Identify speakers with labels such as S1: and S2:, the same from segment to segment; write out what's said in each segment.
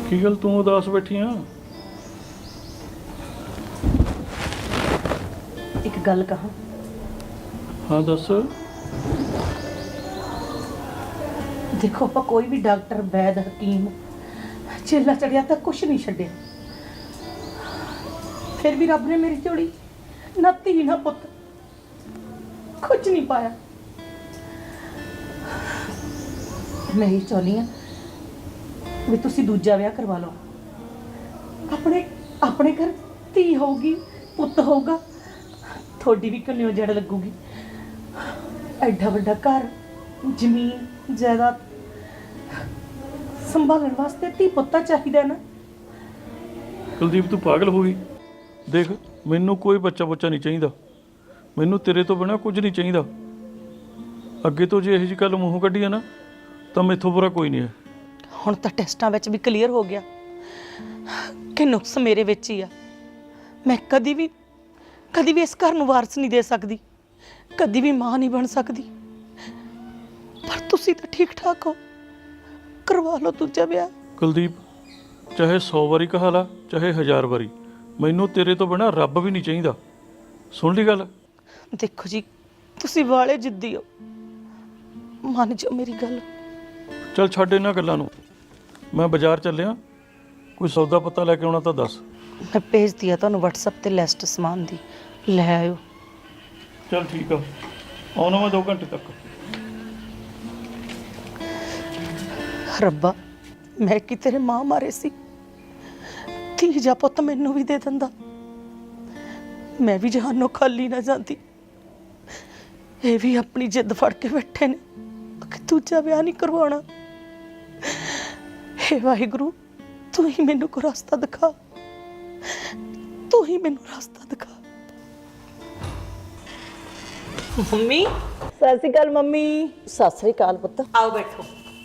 S1: ਕੀ ਗੱਲ ਤੂੰ ਉਦਾਸ ਬੈਠੀ ਆ?
S2: ਇੱਕ ਗੱਲ ਕਹਾਂ।
S1: ਹਾਂ ਦੱਸ।
S2: ਦੇਖੋ ਆਪਾਂ ਕੋਈ ਵੀ ਡਾਕਟਰ ਵੈਦ ਹਕੀਮ ਚੇਲਾ ਚੜਿਆ ਤਾਂ ਕੁਛ ਨਹੀਂ ਛੱਡਿਆ, ਫਿਰ ਵੀ ਰੱਬ ਨੇ ਮੇਰੀ ਝੋਲੀ ਨਾ ਧੀ ਨਾ ਪੁੱਤ ਕੁਝ ਨਹੀਂ ਪਾਇਆ। ਮੈਂ ਹੀ ਚਾਹੁੰਦੀ ਹਾਂ ਵੀ ਤੁਸੀਂ ਦੂਜਾ ਵਿਆਹ ਕਰਵਾ ਲਓ। ਆਪਣੇ ਘਰ ਧੀ ਹੋਊਗੀ, ਪੁੱਤ ਹੋਊਗਾ, ਤੁਹਾਡੀ ਵੀ ਕੰਨਿਓ ਜੜ ਲੱਗੂਗੀ। ਐਡਾ ਵੱਡਾ ਘਰ, ਜ਼ਮੀਨ ਜਾਇਦਾਦ ਸੰਭਾਲਣ ਵਾਸਤੇ ਧੀ ਪੁੱਤਾ ਚਾਹੀਦਾ ਨਾ।
S1: ਕੁਲਦੀਪ ਤੂੰ ਪਾਗਲ ਹੋ ਗਈ? ਦੇਖ ਮੈਨੂੰ ਕੋਈ ਬੱਚਾ ਬੁੱਚਾ ਨਹੀਂ ਚਾਹੀਦਾ, ਮੈਨੂੰ ਤੇਰੇ ਤੋਂ ਬਿਨਾਂ ਕੁਝ ਨਹੀਂ ਚਾਹੀਦਾ। ਅੱਗੇ ਤੋਂ ਜੇ ਇਹੋ ਜਿਹੀ ਗੱਲ ਮੂੰਹੋਂ ਕੱਢੀ ਆ ਨਾ ਤਾਂ ਮੈਥੋਂ ਬੁਰਾ ਕੋਈ ਨਹੀਂ ਹੈ।
S2: ਹੁਣ ਤਾਂ ਟੈਸਟਾਂ ਵਿੱਚ ਵੀ ਕਲੀਅਰ ਹੋ ਗਿਆ ਕਿ ਨੁਕਸ ਮੇਰੇ ਵਿੱਚ ਹੀ ਆ। ਮੈਂ ਕਦੀ ਵੀ ਇਸ ਘਰ ਨੂੰ ਵਾਰਸ ਨਹੀਂ ਦੇ ਸਕਦੀ, ਕਦੀ ਵੀ ਮਾਂ ਨਹੀਂ ਬਣ ਸਕਦੀ। ਪਰ ਤੁਸੀਂ ਤਾਂ ਠੀਕ ਠਾਕ ਹੋ, ਕਰਵਾ ਲਓ ਦੂਜਾ ਵਿਆਹ।
S1: ਕੁਲਦੀਪ ਚਾਹੇ 100 ਵਾਰੀ ਕਹਾ ਲਾ ਚਾਹੇ 1000 ਵਾਰੀ, ਮੈਨੂੰ ਤੇਰੇ ਤੋਂ ਬਿਨਾਂ ਰੱਬ ਵੀ ਨਹੀਂ ਚਾਹੀਦਾ। ਸੁਣ ਲਈ ਗੱਲ?
S2: ਦੇਖੋ ਜੀ, ਤੁਸੀਂ ਵਾਲੇ ਜਿੱਦੀ ਹੋ, ਮੰਨ ਜਾਓ ਮੇਰੀ ਗੱਲ।
S1: ਚੱਲ ਛੱਡ ਇਹਨਾਂ ਗੱਲਾਂ ਨੂੰ, ਮੈਂ ਬਾਜ਼ਾਰ ਚੱਲਿਆ, ਕੋਈ ਸੌਦਾ ਪੱਤਾ ਲੈ ਕੇ ਆਉਣਾ ਤਾਂ ਦੱਸ।
S2: ਮੈਂ ਭੇਜਦੀ ਆ ਤੁਹਾਨੂੰ WhatsApp ਤੇ ਲਿਸਟ ਸਮਾਨ ਦੀ, ਲੈ ਆਇਓ।
S1: ਚੱਲ ਠੀਕ ਆ, ਆਉਣਾ ਮੈਂ 2 ਘੰਟੇ ਤੱਕ।
S2: ਰੱਬਾ, ਮੈਂ ਕਿ ਤੇਰੇ ਮਾਂ ਮਾਰੇ ਸੀ, ਧੀ ਜਾ ਪੁੱਤ ਮੈਨੂੰ ਵੀ ਦੇ ਦਿੰਦਾ, ਮੈਂ ਵੀ ਜਹਾਨੋਂ ਖਾਲੀ ਨਾ ਜਾਂਦੀ। ਇਹ ਵੀ ਆਪਣੀ ਜਿੱਦ ਫੜ ਕੇ ਬੈਠੇ ਨੇ ਕਿ ਦੂਜਾ ਵਿਆਹ ਨਹੀਂ ਕਰਵਾਉਣਾ। ਹੇ ਵਾਹਿਗੁਰੂ, ਤੂੰ ਹੀ ਮੈਨੂੰ ਕੋਈ ਰਸਤਾ ਦਿਖਾ, ਤੂੰ ਹੀ ਮੈਨੂੰ ਰਸਤਾ ਦਿਖਾ। ਮੰਮੀ ਸਤਿ ਸ਼੍ਰੀ ਅਕਾਲ। ਮੰਮੀ
S3: ਸਤਿ ਸ੍ਰੀ ਅਕਾਲ ਪੁੱਤ।
S2: ਆਓ ਬੈਠੋ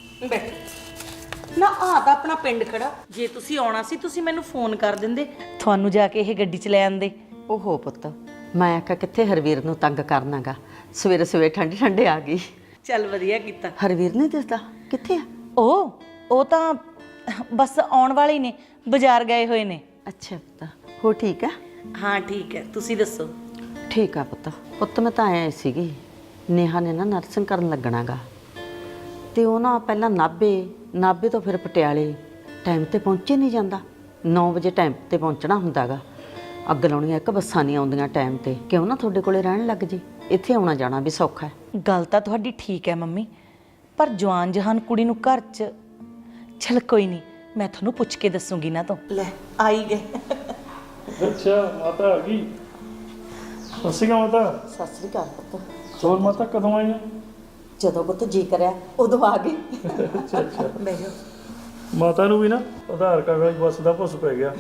S2: ਨਾ। ਆ ਤਾਂ ਆਪਣਾ ਪਿੰਡ ਖੜਾ, ਜੇ ਤੁਸੀਂ ਆਉਣਾ ਸੀ ਤੁਸੀਂ ਮੈਨੂੰ ਫੋਨ ਕਰ ਦਿੰਦੇ, ਤੁਹਾਨੂੰ ਜਾ ਕੇ ਇਹ ਗੱਡੀ 'ਚ ਲੈ ਆਂਦੇ।
S3: ਓਹੋ ਪੁੱਤ, ਮੈਂ ਆਖਿਆ ਕਿੱਥੇ ਹਰਵੀਰ ਨੂੰ ਤੰਗ ਕਰਨਾਗਾ, ਸਵੇਰੇ ਸਵੇਰੇ ਠੰਡੇ ਠੰਡੇ ਆ ਗਈ।
S2: ਚੱਲ ਵਧੀਆ ਕੀਤਾ।
S3: ਹਰਵੀਰ ਨਹੀਂ ਦਿਸਦਾ, ਕਿੱਥੇ ਆ?
S2: ਉਹ ਤਾਂ ਬਸ ਆਉਣ ਵਾਲੇ ਹੀ ਨੇ, ਬਾਜ਼ਾਰ ਗਏ ਹੋਏ ਨੇ।
S3: ਅੱਛਾ ਪੁੱਤ, ਹੋ ਠੀਕ ਆ?
S2: ਹਾਂ ਠੀਕ ਹੈ, ਤੁਸੀਂ ਦੱਸੋ?
S3: ਠੀਕ ਆ ਪੁੱਤ। ਪੁੱਤ ਮੈਂ ਤਾਂ ਆਇਆ ਸੀਗੀ, ਨੇਹਾ ਨੇ ਨਾ ਨਰਸਿੰਗ ਕਰਨ ਲੱਗਣਾਗਾ, ਤੇ ਉਹ ਨਾ ਪਹਿਲਾਂ ਨਾਭੇ ਤੋਂ ਫਿਰ ਪਟਿਆਲੇ ਟਾਈਮ ਤੇ ਪਹੁੰਚੇ ਨਹੀਂ ਜਾਂਦਾ। 9 ਵਜੇ ਟਾਈਮ ਤੇ ਪਹੁੰਚਣਾ ਹੁੰਦਾਗਾ। ਅੱਗ ਲਾਉਣੀਆਂ ਇੱਕ ਬੱਸਾਂ ਨਹੀਂ ਆਉਂਦੀਆਂ ਟਾਈਮ ਤੇ, ਕਿਉਂ ਨਾ ਤੁਹਾਡੇ ਕੋਲੇ ਰਹਿਣ ਲੱਗ ਜੇ, ਇੱਥੇ ਆਉਣਾ ਜਾਣਾ ਵੀ ਸੌਖਾ ਹੈ।
S2: ਗੱਲ ਤਾਂ ਤੁਹਾਡੀ ਠੀਕ ਹੈ ਮੰਮੀ, ਪਰ ਜਵਾਨ ਜਹਾਨ ਕੁੜੀ ਨੂੰ ਘਰ 'ਚ, ਚਲ ਕੋਈ ਨਹੀਂ, ਮੈਂ ਤੁਹਾਨੂੰ ਪੁੱਛ ਕੇ ਦੱਸੂਗੀ ਨਾ। ਤੋਂ ਲੈ ਆਈ ਗਏ।
S1: ਅੱਛਾ ਮਾਤਾ ਆ ਗਈ। ਸਤਿ ਸ਼੍ਰੀ ਅਕਾਲ ਮਾਤਾ।
S3: ਸਤਿ ਸ੍ਰੀ ਅਕਾਲ ਪੁੱਤ।
S1: ਹੋਰ ਮਾਤਾ ਕਦੋਂ ਆਈ ਆ?
S3: ਜਦੋਂ ਪੁੱਤ ਜੀ ਕਰਿਆ ਉਦੋਂ ਆ ਗਈ।
S1: ਅੱਛਾ ਅੱਛਾ।
S2: ਬੈਠੋ।
S1: ਮਾਤਾ ਨੂੰ ਵੀ ਨਾ ਆਧਾਰ ਕਾਰਡ ਵਾਲੀ ਬੱਸ ਦਾ ਭੁੱਸ ਪੈ ਗਿਆ।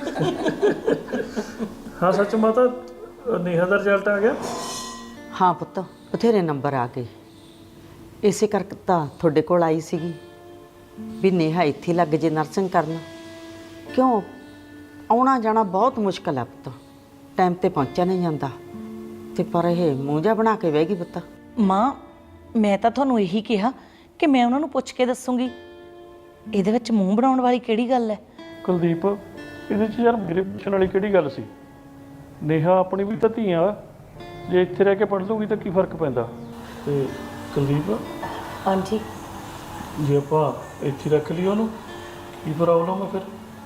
S1: ਹਾਂ ਸੱਚ ਮਾਤਾ, ਨੇਹਾ ਦਾ ਰਿਜ਼ਲਟ ਆ ਗਿਆ?
S3: ਹਾਂ ਪੁੱਤ, ਬਥੇਰੇ ਨੰਬਰ ਆ ਗਏ, ਇਸੇ ਕਰਕੇ ਤਾਂ ਤੁਹਾਡੇ ਕੋਲ ਆਈ ਸੀਗੀ ਵੀ ਨੇਹਾ ਇੱਥੇ ਲੱਗ ਜੇ ਨਰਸਿੰਗ ਕਰਨ। ਕਿਉਂ ਆਉਣਾ ਜਾਣਾ ਬਹੁਤ ਮੁਸ਼ਕਲ ਆ ਪੁੱਤ, ਟਾਈਮ ਤੇ ਪਹੁੰਚਿਆ ਨਹੀਂ ਜਾਂਦਾ। ਤੇ ਪਰ ਇਹ ਮੂੰਹ ਜਿਹਾ ਬਣਾ ਕੇ ਬਹਿ ਗਈ ਪੁੱਤ।
S2: ਮਾਂ, ਮੈਂ ਤਾਂ ਤੁਹਾਨੂੰ ਇਹੀ ਕਿਹਾ ਕਿ ਮੈਂ ਉਹਨਾਂ ਨੂੰ ਪੁੱਛ ਕੇ ਦੱਸੂਗੀ, ਇਹਦੇ ਵਿੱਚ ਮੂੰਹ ਬਣਾਉਣ ਵਾਲੀ ਕਿਹੜੀ ਗੱਲ ਹੈ?
S1: ਕੁਲਦੀਪ ਇਹਦੇ 'ਚ ਯਾਰ ਮੇਰੇ ਪੁੱਛਣ ਵਾਲੀ ਕਿਹੜੀ ਗੱਲ ਸੀ? ਨੇਹਾ ਆਪਣੀ ਵੀ ਤਾਂ ਧੀ ਆ, ਜੇ ਇੱਥੇ ਰਹਿ ਕੇ ਪੜ੍ਹ ਲੂਗੀ ਤਾਂ ਕੀ ਫਰਕ ਪੈਂਦਾ? ਤੇ ਕੁਲਦੀਪ
S2: ਹਾਂਜੀ,
S1: ਜੇ ਆਪਾਂ ਇੱਥੇ ਰੱਖ ਲਈ ਉਹਨੂੰ ਕੀ ਪ੍ਰੋਬਲਮ ਆ ਫਿਰ?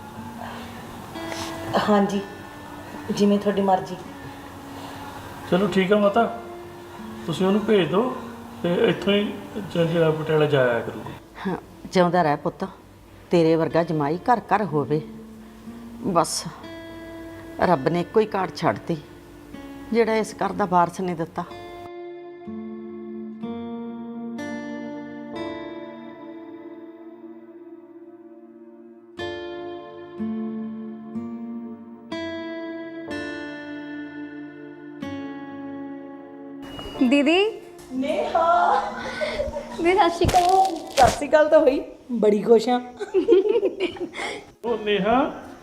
S2: ਹਾਂਜੀ ਜਿਵੇਂ ਤੁਹਾਡੀ ਮਰਜ਼ੀ।
S1: ਚਲੋ ਠੀਕ ਆ ਮਾਤਾ, ਤੁਸੀਂ ਉਹਨੂੰ ਭੇਜ ਦਿਓ ਤੇ ਇੱਥੋਂ ਹੀ ਜਿਹੜਾ ਪਟਿਆਲਾ ਜਾਇਆ ਕਰੂਗੀ।
S3: ਹਾਂ, ਜਿਉਂਦਾ ਰਹਿ ਪੁੱਤ, ਤੇਰੇ ਵਰਗਾ ਜਮਾਈ ਘਰ ਘਰ ਹੋਵੇ। ਬਸ ਰੱਬ ਨੇ ਇੱਕੋ ਹੀ ਕਾਰਡ ਛੱਡਤੀ ਜਿਹੜਾ ਇਸ ਘਰ ਦਾ ਵਾਰਸ ਨਹੀਂ ਦਿੱਤਾ।
S4: दीदी
S2: ਨੇਹਾ
S4: दीदी सत श्रीकाल।
S2: ਸਤਿ ਸ਼੍ਰੀ ਅਕਾਲ ਤਾਂ ਹੋਈ, ਬੜੀ ਖੁਸ਼ ਹਾਂ।
S1: ਉਹ ਨੇਹਾ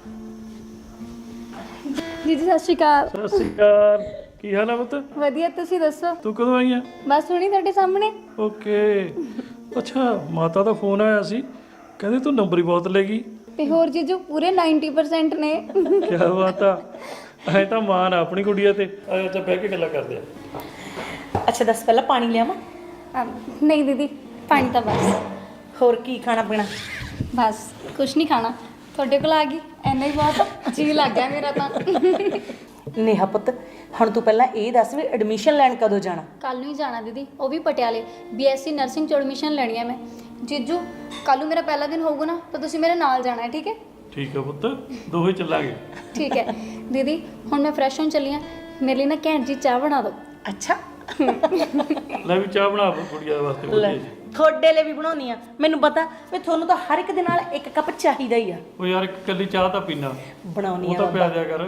S4: दीदी सत श्रीकाल।
S1: ਸਤਿ ਸ਼੍ਰੀ ਅਕਾਲ, ਕੀ ਹਾਲ ਆ ਪੁੱਤ?
S4: वधिया तुसी दसो।
S1: ਤੂੰ ਕਦੋਂ ਆਈ ਆ?
S4: बस हुणी तुहाडे सामने।
S1: ਓਕੇ। ਅੱਛਾ ਮਾਤਾ ਦਾ ਫੋਨ ਆਇਆ ਸੀ, ਕਹਿੰਦੇ ਤੂੰ ਨੰਬਰ ਹੀ ਬਹੁਤ ਲੈ ਗਈ।
S4: ਤੇ ਹੋਰ ਜੀਜੂ ਪੂਰੇ 90% ਨੇ।
S1: ਕੀ ਬਾਤ ਆ, ਐ ਤਾਂ ਮਾਨ ਆ ਆਪਣੀ ਕੁੜੀਆਂ ਤੇ। ਆ ਜਾ ਬਹਿ ਕੇ ਗੱਲਾਂ ਕਰਦੇ ਆ।
S2: ਅੱਛਾ ਦੱਸ, ਪਹਿਲਾਂ ਪਾਣੀ ਲਿਆਵਾਂ?
S4: ਨਹੀਂ ਦੀਦੀ, ਪਾਣੀ ਤਾਂ ਬਸ।
S2: ਹੋਰ ਕੀ ਖਾਣਾ ਪੀਣਾ?
S4: ਬਸ ਕੁਛ ਨਹੀਂ ਖਾਣਾ, ਤੁਹਾਡੇ ਕੋਲ ਆ ਗਈ ਇੰਨਾ ਹੀ ਬਹੁਤ। ਜੀ ਲੱਗ ਗਿਆ ਮੇਰਾ ਤਾਂ।
S2: ਨੇਹਾ ਪੁੱਤ, ਹੁਣ ਤੂੰ ਪਹਿਲਾਂ ਇਹ ਦੱਸ ਵੀ ਐਡਮਿਸ਼ਨ ਲੈਣ ਕਦੋਂ ਜਾਣਾ?
S4: ਕੱਲ ਨੂੰ ਹੀ ਜਾਣਾ ਦੀਦੀ, ਉਹ ਵੀ ਪਟਿਆਲੇ। BSc ਨਰਸਿੰਗ ਚ ਐਡਮਿਸ਼ਨ ਲੈਣੀ ਹੈ ਮੈਂ। ਜੀਜੂ ਕੱਲ ਨੂੰ ਮੇਰਾ ਪਹਿਲਾ ਦਿਨ ਹੋਊਗਾ ਨਾ, ਤਾਂ ਤੁਸੀਂ ਮੇਰੇ ਨਾਲ ਜਾਣਾ ਹੈ, ਠੀਕ ਹੈ?
S1: ਠੀਕ ਆ ਪੁੱਤ, ਦੋਹੇ ਚੱਲਾਂਗੇ।
S4: ਠੀਕ ਹੈ ਦੀਦੀ, ਹੁਣ ਮੈਂ ਫਰੈਸ਼ ਹੋਣ ਚੱਲੀ ਹਾਂ, ਮੇਰੇ ਲਈ ਨਾ ਘੈਂਟ ਜੀ ਚਾਹ ਬਣਾ ਦਿਓ।
S2: ਅੱਛਾ,
S1: ਲੈ ਵੀ ਚਾਹ ਬਣਾ ਕੁੜੀਆਂ ਵਾਸਤੇ ਵਧੀਆ ਜੀ।
S2: ਤੁਹਾਡੇ ਲਈ ਵੀ ਬਣਾਉਣੀ ਆ। ਮੈਨੂੰ ਪਤਾ ਵੀ ਤੁਹਾਨੂੰ ਤਾਂ ਹਰ ਇੱਕ ਦੇ ਨਾਲ ਇੱਕ ਕੱਪ ਚਾਹੀਦਾ ਹੀ ਆ।
S1: ਉਹ ਯਾਰ ਇੱਕ ਕੱਲੀ ਚਾਹ ਤਾਂ ਪੀਣਾ,
S2: ਬਣਾਉਣੀ
S1: ਉਹ
S2: ਆ
S1: ਤਾਂ ਪਿਆ
S2: ਬਾਬਾ।
S1: ਦਿਆ ਕਰ।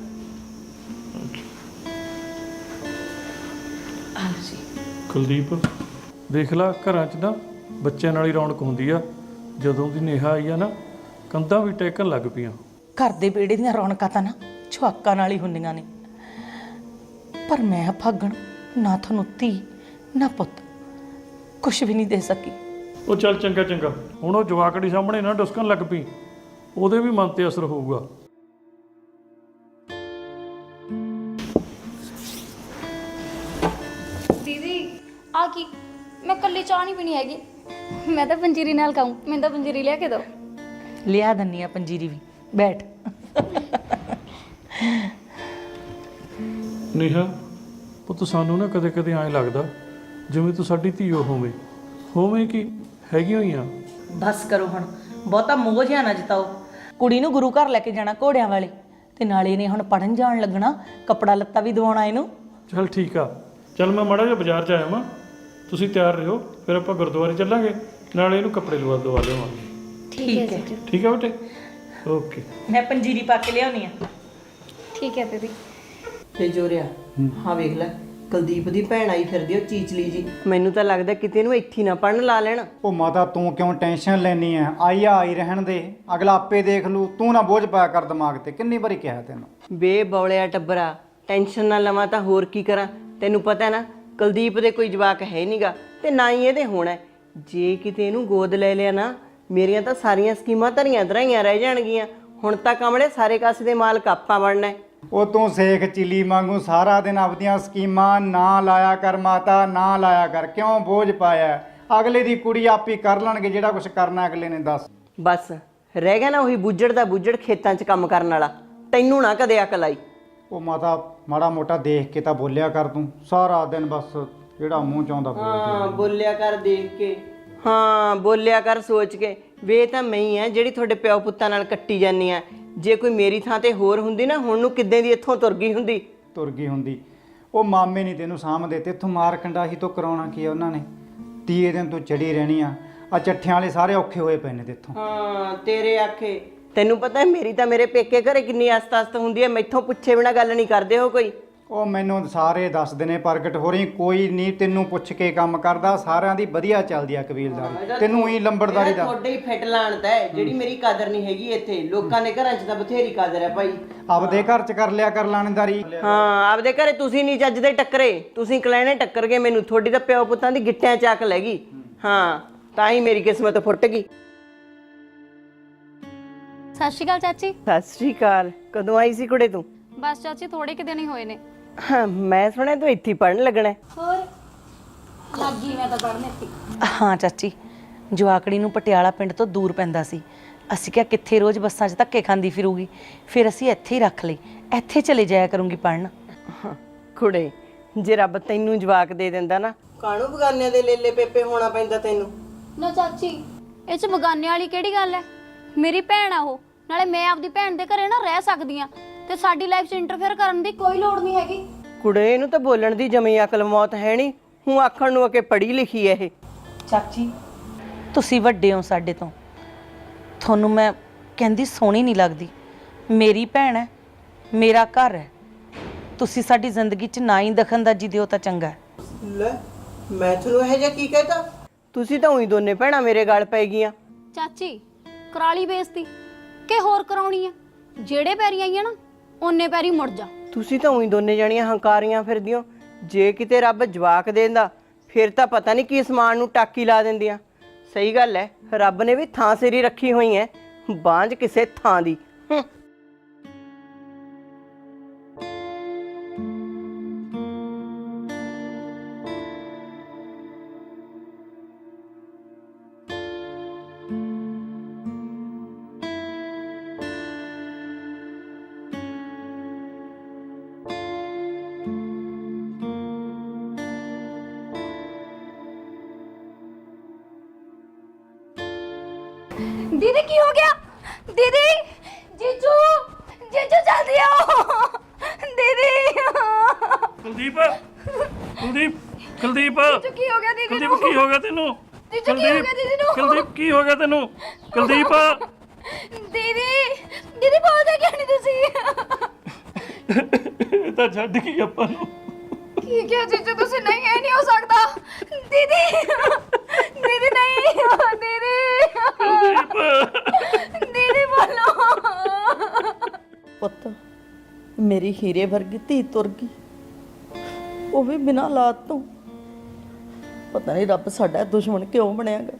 S2: ਹਾਂਜੀ
S1: ਕੁਲਦੀਪ, ਦੇਖ ਲਾ ਘਰਾਂ 'ਚ ਨਾ ਬੱਚਿਆਂ ਨਾਲ ਹੀ ਰੌਣਕ ਹੁੰਦੀ ਆ। ਜਦੋਂ ਦੀ ਨੇਹਾ ਆਈ ਆ ਨਾ, ਕੰਧਾਂ ਵੀ ਟੇਕਣ ਲੱਗ ਪਈਆਂ।
S2: ਘਰ ਦੇ ਵਿਹੜੇ ਦੀਆਂ ਰੌਣਕਾਂ ਤਾਂ ਨਾ ਛੁਆਕਾਂ ਨਾਲ ਹੀ ਹੁੰਦੀਆਂ ਨੇ। ਪਰ ਮੈਂ ਭਾਗਣ ਨਾ ਤੁਹਾਨੂੰ ਧੀ ਨਾ ਪੁੱਤ ਕੁਛ ਵੀ ਨਹੀਂ ਦੇ ਸਕੀ।
S1: ਉਹ ਚੱਲ ਚੰਗਾ ਚੰਗਾ, ਹੁਣ ਉਹ ਜਵਾਕੜੀ ਸਾਹਮਣੇ ਨਾ ਡੁਸਕਣ ਲੱਗ ਪਈ, ਉਹਦੇ ਵੀ ਮਨ ਤੇ ਅਸਰ ਹੋਊਗਾ।
S4: ਦੀਦੀ ਆ ਕੀ, ਮੈਂ ਕੱਲੀ ਚਾਹ ਨਹੀਂ ਪੀਣੀ ਹੈਗੀ, ਮੈਂ ਤਾਂ ਪੰਜੀਰੀ ਨਾਲ ਖਾਊਂ। ਮੈਨੂੰ ਤਾਂ ਪੰਜੀਰੀ ਲਿਆ ਕੇ ਦਿਓ।
S2: ਲਿਆ ਦੰਨੀ ਆ ਪੰਜੀਰੀ ਵੀ, ਬੈਠ।
S1: ਨੇਹਾ ਪੁੱਤ, ਸਾਨੂੰ ਨਾ ਕਦੇ ਕਦੇ ਐਂ ਲੱਗਦਾ ਜਿਵੇਂ ਤੂੰ ਸਾਡੀ ਧੀਓ ਹੋਵੇਂ ਕਿ ਹੈਗੀ ਹੋਈ ਆ।
S2: ਬਸ ਕਰੋ ਹੁਣ, ਬਹੁਤਾ ਮੋਹ ਜਿਹਾ ਨਾ ਜਤਾਓ। ਕੁੜੀ ਨੂੰ ਗੁਰੂ ਘਰ ਲੈ ਕੇ ਜਾਣਾ ਘੋੜਿਆਂ ਵਾਲੇ, ਤੇ ਨਾਲੇ ਇਹਨੇ ਹੁਣ ਪੜਨ ਜਾਣ ਲੱਗਣਾ, ਕੱਪੜਾ ਲੱਤਾ ਵੀ ਦਵਾਉਣਾ ਇਹਨੂੰ।
S1: ਚੱਲ ਠੀਕ ਆ, ਚੱਲ ਮੈਂ ਮਾੜਾ ਜਿਹਾ ਬਾਜ਼ਾਰ 'ਚ ਆਇਆ ਵਾਂ, ਤੁਸੀਂ ਤਿਆਰ ਰਹੋ, ਫਿਰ ਆਪਾਂ ਗੁਰਦੁਆਰੇ ਚੱਲਾਂਗੇ, ਨਾਲੇ ਇਹਨੂੰ ਕੱਪੜੇ ਦਵਾ ਲਿਆਵਾਂਗੇ।
S2: ਠੀਕ ਹੈ,
S1: ਠੀਕ ਆ ਬੇਟੇ, ਓਕੇ।
S2: ਮੈਂ ਪੰਜੀਰੀ ਪਾ ਕੇ ਲਿਆਉਣੀ ਆ।
S4: ਠੀਕ ਹੈ ਦੀਦੀ।
S3: ਤੇ ਜੋਰਿਆ, ਹਾਂ ਵੇਖ ਲੈ, ਕੁਲਦੀਪ ਦੀ ਭੈਣ ਆਈ ਫਿਰਦੀ ਉਹ ਚੀਚਲੀ ਜੀ। ਮੈਨੂੰ ਤਾਂ ਲੱਗਦਾ ਕਿਤੇ ਇਹਨੂੰ ਇੱਥੇ ਨਾ ਪੜਨ ਲਾ ਲੈਣ।
S5: ਉਹ ਮਾਤਾ ਤੂੰ ਕਿਉਂ ਟੈਨਸ਼ਨ ਲੈਣੀ ਐ? ਆਈ ਰਹਿਣ ਦੇ, ਅਗਲਾ ਆਪੇ ਦੇਖ ਲੂ। ਤੂੰ ਨਾ ਬੋਝ ਪਾਇਆ ਕਰ ਦਿਮਾਗ ਤੇ, ਕਿੰਨੀ ਵਾਰੀ ਕਿਹਾ ਤੈਨੂੰ।
S3: ਬੇ ਬੌਲਿਆ ਟੱਬਰਾ, ਟੈਨਸ਼ਨ ਨਾ ਲਵਾਂ ਤਾਂ ਹੋਰ ਕੀ ਕਰਾਂ। ਤੈਨੂੰ ਪਤਾ ਨਾ ਕੁਲਦੀਪ ਦੇ ਕੋਈ ਜਵਾਕ ਹੈ ਨਹੀਂਗਾ, ਤੇ ਨਾ ਹੀ ਇਹਦੇ ਹੋਣਾ। ਜੇ ਕਿਤੇ ਇਹਨੂੰ ਗੋਦ ਲੈ ਲਿਆ ਨਾ, ਮੇਰੀਆਂ ਤਾਂ ਸਾਰੀਆਂ ਸਕੀਮਾਂ ਧਰੀਆਂ ਧਰਾਈਆਂ ਰਹਿ ਜਾਣਗੀਆਂ। ਹੁਣ ਤਾਂ ਕਮਲੇ ਸਾਰੇ ਕਾਸੇ ਦੇ ਮਾਲਕ ਆਪਾਂ ਬਣਨਾ।
S5: ਉਹ ਤੂੰ ਸੇਖ ਚਿੱਲੀ ਵਾਂਗੂ ਸਾਰਾ ਦਿਨ ਆਪਦੀਆਂ ਸਕੀਮਾਂ ਨਾ ਲਾਇਆ ਕਰ ਮਾਤਾ, ਨਾ ਲਾਇਆ ਕਰ। ਕਿਉਂ ਬੋਝ ਪਾਇਆ? ਅਗਲੇ ਦੀ ਕੁੜੀ ਆਪੀ ਕਰ ਲੈਣਗੇ ਜਿਹੜਾ ਕੁਝ ਕਰਨਾ ਅਗਲੇ ਨੇ। ਦੱਸ
S3: ਬਸ ਰਹਿ ਗਿਆ ਨਾ ਉਹੀ ਬੁੱਜੜ ਦਾ ਬੁੱਜੜ ਖੇਤਾਂ 'ਚ ਕੰਮ ਕਰਨ ਵਾਲਾ। ਤੈਨੂੰ ਨਾ ਕਦੇ ਅਕਲ ਆਈ।
S5: ਉਹ ਮਾਤਾ ਮਾੜਾ ਮੋਟਾ ਦੇਖ ਕੇ ਤਾਂ ਬੋਲਿਆ ਕਰ ਤੂੰ। ਸਾਰਾ ਦਿਨ ਬਸ ਜਿਹੜਾ ਮੂੰਹ ਚ ਆਉਂਦਾ
S3: ਹਾਂ ਬੋਲਿਆ ਕਰ ਦੇਖ ਕੇ, ਹਾਂ ਬੋਲਿਆ ਕਰ ਸੋਚ ਕੇ। ਵੇ ਤਾਂ ਮੈਂ ਹੀ ਆ ਜਿਹੜੀ ਤੁਹਾਡੇ ਪਿਓ ਪੁੱਤਾਂ ਨਾਲ ਕੱਟੀ ਜਾਂਦੀ ਆ। ਜੇ ਕੋਈ ਮੇਰੀ ਥਾਂ ਤੇ ਹੋਰ ਹੁੰਦੀ ਨਾ, ਹੁਣ ਨੂੰ ਕਿੱਦਾਂ ਦੀ ਇੱਥੋਂ ਤੁਰ ਗਈ ਹੁੰਦੀ।
S5: ਤੁਰ ਗਈ ਹੁੰਦੀ। ਉਹ ਮਾਮੇ ਨਹੀਂ ਤੈਨੂੰ ਸਾਂਭਦੇ, ਤੇ ਇੱਥੋਂ ਮਾਰ ਕੰਡਾਹੀ ਤੋਂ ਕਰਾਉਣਾ ਕੀ ਆ ਉਹਨਾਂ ਨੇ? 30 ਦਿਨ ਤੂੰ ਚੜੀ ਰਹਿਣੀ ਆ। ਆ ਚੱਠਿਆਂ ਵਾਲੇ ਸਾਰੇ ਔਖੇ ਹੋਏ ਪਏ ਨੇ ਤੇਥੋਂ।
S3: ਹਾਂ ਤੇਰੇ ਆਖੇ। ਤੈਨੂੰ ਪਤਾ ਮੇਰੀ ਤਾਂ ਮੇਰੇ ਪੇਕੇ ਘਰੇ ਕਿੰਨੀ ਆਸਤ ਹੁੰਦੀ ਹੈ, ਮੈਥੋਂ ਪੁੱਛੇ ਬਿਨਾ ਗੱਲ ਨਹੀਂ ਕਰਦੇ ਹੋ ਕੋਈ।
S5: ਉਹ ਮੈਨੂੰ ਸਾਰੇ ਦੱਸਦੇ ਨੇ ਪ੍ਰਗਟ ਹੋ ਰਹੀ, ਕੋਈ ਨਹੀਂ ਤੈਨੂੰ ਪੁੱਛ ਕੇ ਕੰਮ ਕਰਦਾ। ਸਾਰਿਆਂ ਦੀ ਵਧੀਆ ਚੱਲਦੀ ਆ ਕਬੀਲਦਾਰੀ, ਤੈਨੂੰ ਹੀ ਲੰਬੜਦਾਰੀ ਦਾ।
S3: ਤੁਹਾਡੇ ਹੀ ਫਿੱਟ ਲਾਣਤ ਹੈ ਜਿਹੜੀ ਮੇਰੀ ਕਦਰ ਨਹੀਂ ਹੈਗੀ ਇੱਥੇ। ਲੋਕਾਂ ਦੇ ਘਰਾਂ 'ਚ ਤਾਂ ਬਥੇਰੀ ਕਦਰ ਹੈ ਭਾਈ।
S5: ਆਪਦੇ ਘਰ ਚ ਕਰ ਲਿਆ ਕਰ ਲਾਣੇਦਾਰੀ।
S3: ਹਾਂ ਆਪਦੇ ਘਰੇ ਤੁਸੀਂ ਨਹੀਂ ਚੱਜਦੇ ਟੱਕਰੇ, ਤੁਸੀਂ ਕਲੈਣੇ ਟੱਕਰ ਗਏ ਮੈਨੂੰ। ਤੁਹਾਡੀ ਤਾਂ ਪਿਓ ਪੁੱਤਾਂ ਦੀ ਗਿੱਟਿਆਂ ਚੱਕ ਲੈ ਗਈ। ਹਾਂ ਤਾਂ ਹੀ ਮੇਰੀ ਕਿਸਮਤ ਫੁੱਟ ਗਈ।
S4: ਸਤਿ ਸ਼੍ਰੀ ਅਕਾਲ ਚਾਚੀ।
S3: ਸਤਿ ਸ਼੍ਰੀ ਅਕਾਲ। ਕਦੋਂ ਆਈ ਸੀ ਕੁੜੇ ਤੂੰ?
S4: ਬਸ ਚਾਚੀ ਥੋੜੇ ਕਿ ਦਿਨ ਹੀ ਹੋਏ ਨੇ।
S3: ਹਾਂ ਮੈਂ ਸੁਣਿਆ ਤੂੰ ਇੱਥੇ ਪੜਨ ਲੱਗਣਾ।
S4: ਹੋਰ ਲੱਗੀ ਮੈਂ ਤਾਂ ਪੜ੍ਹਨ ਇੱਥੇ।
S2: ਹਾਂ ਚਾਚੀ, ਜਵਾਕੜੀ ਨੂੰ ਪਟਿਆਲਾ ਪਿੰਡ ਤੋਂ ਦੂਰ ਪੈਂਦਾ ਸੀ। ਅਸੀਂ ਕਿਹਾ ਕਿੱਥੇ ਰੋਜ਼ ਬੱਸਾਂ 'ਚ ਧੱਕੇ ਖਾਂਦੀ ਫਿਰੂਗੀ, ਫਿਰ ਅਸੀਂ ਇੱਥੇ ਹੀ ਰੱਖ ਲਈ। ਇੱਥੇ ਚਲੇ ਜਾਇਆ ਕਰੂੰਗੀ ਪੜਨ।
S3: ਕੁੜੇ ਜੇ ਰੱਬ ਤੈਨੂੰ ਜਵਾਕ ਦੇ ਦਿੰਦਾ ਨਾ, ਕਾਹਨੂੰ ਬਗਾਨਿਆਂ ਦੇ ਲੇਲੇ ਪੇਪੇ ਹੋਣਾ ਪੈਂਦਾ ਤੈਨੂੰ।
S4: ਨਾ ਚਾਚੀ, ਇਹ 'ਚ ਬਗਾਨੇ ਵਾਲੀ ਕਿਹੜੀ ਗੱਲ ਹੈ? ਮੇਰੀ ਭੈਣ ਆ ਉਹ, ਨਾਲੇ ਮੈਂ ਆਪਦੀ ਭੈਣ ਦੇ ਘਰੇ ਨਾ ਰਹਿ ਸਕਦੀ ਆ, ਤੇ ਸਾਡੀ ਲਾਈਫ 'ਚ ਇੰਟਰਫੇਅਰ ਕਰਨ ਦੀ ਕੋਈ ਲੋੜ ਨਹੀਂ ਹੈਗੀ।
S3: ਕੁੜੇ ਇਹਨੂੰ ਤਾਂ ਬੋਲਣ ਦੀ ਜਮੀ ਅਕਲ ਮੌਤ ਹੈ ਨਹੀਂ। ਹੂੰ ਆਖਣ ਨੂੰ ਕਿ ਪੜ੍ਹੀ ਲਿਖੀ ਹੈ ਇਹ।
S2: ਚਾਚੀ ਤੁਸੀਂ ਵੱਡੇ ਹੋ ਸਾਡੇ ਤੋਂ, ਤੁਹਾਨੂੰ ਮੈਂ ਕਹਿੰਦੀ ਸੋਹਣੀ ਨਹੀਂ ਲੱਗਦੀ। ਮੇਰੀ ਭੈਣ ਹੈ, ਮੇਰਾ ਘਰ ਹੈ। ਤੁਸੀਂ ਸਾਡੀ ਜ਼ਿੰਦਗੀ 'ਚ ਨਾ ਹੀ ਦਖਲਅੰਦਾਜ਼ੀ ਦਿਓ ਤਾਂ ਚੰਗਾ ਹੈ।
S3: ਲੈ ਮੈਂ ਤੁਹਾਨੂੰ ਇਹ ਜਿਹਾ ਕੀ ਕਹਿਤਾ? ਤੁਸੀਂ ਤਾਂ ਉਹੀ ਦੋਨੇ ਭੈਣਾਂ ਮੇਰੇ ਗਲ ਪੈ ਗਈਆਂ।
S4: ਚਾਚੀ ਕਰਾਲੀ ਬੇਇੱਜ਼ਤੀ ਕਿ ਹੋਰ ਕਰਾਉਣੀ ਆ? ਜਿਹੜੇ ਪੈਰੀ ਆਈਆਂ ਨਾ ਓਨੇ ਪੈਰੀ ਮੁੜ ਜਾ।
S3: ਤੁਸੀਂ ਤਾਂ ਉਹੀ ਦੋਨੇ ਜਣੀਆਂ ਹੰਕਾਰੀਆਂ ਫਿਰਦੀਆਂ। ਜੇ ਕਿਤੇ ਰੱਬ ਜਵਾਕ ਦੇਂਦਾ ਫਿਰ ਤਾਂ ਪਤਾ ਨਹੀਂ ਕੀ ਸਮਾਨ ਨੂੰ ਟਾਕੀ ਲਾ ਦਿੰਦੀਆਂ। ਸਹੀ ਗੱਲ ਹੈ, ਰੱਬ ਨੇ ਵੀ ਥਾਂ ਸਿਰੀ ਰੱਖੀ ਹੋਈ ਹੈ।
S2: ਬਾਂਝ ਕਿਸੇ ਥਾਂ ਦੀ।
S4: दीदी की हो गया? दीदी, जीजू, जीजू जल्दी आओ। दीदी,
S1: ਕੁਲਦੀਪ ਕੁਲਦੀਪ ਕੁਲਦੀਪ
S4: जीजू की हो गया दीदी
S1: ਕੁਲਦੀਪ
S4: नू?
S1: ਕੀ ਹੋ ਗਿਆ ਤੈਨੂੰ?
S4: जीजू की हो गया दीदी नू?
S1: ਕੁਲਦੀਪ ਕੀ ਹੋ ਗਿਆ ਤੈਨੂੰ? ਕੁਲਦੀਪ
S4: दीदी, दीदी बोलते क्यों नहीं तुसी?
S1: ਇਹ ਤਾਂ ਛੱਡ ਗਈ ਆਪਾਂ ਨੂੰ।
S4: की क्या जीजू तुसी नहीं, ये नहीं हो सकता। दीदी, दीदी नहीं, दीदी, दीदी बोलो।
S2: ਪੁੱਤ ਮੇਰੀ ਹੀਰੇ ਵਰਗੀ ਧੀ ਤੁਰ ਗਈ, ਉਹ ਵੀ ਬਿਨਾਂ ਔਲਾਦ ਤੋਂ। ਪਤਾ ਨਹੀਂ ਰੱਬ ਸਾਡਾ ਦੁਸ਼ਮਣ ਕਿਉਂ ਬਣਿਆਗਾ।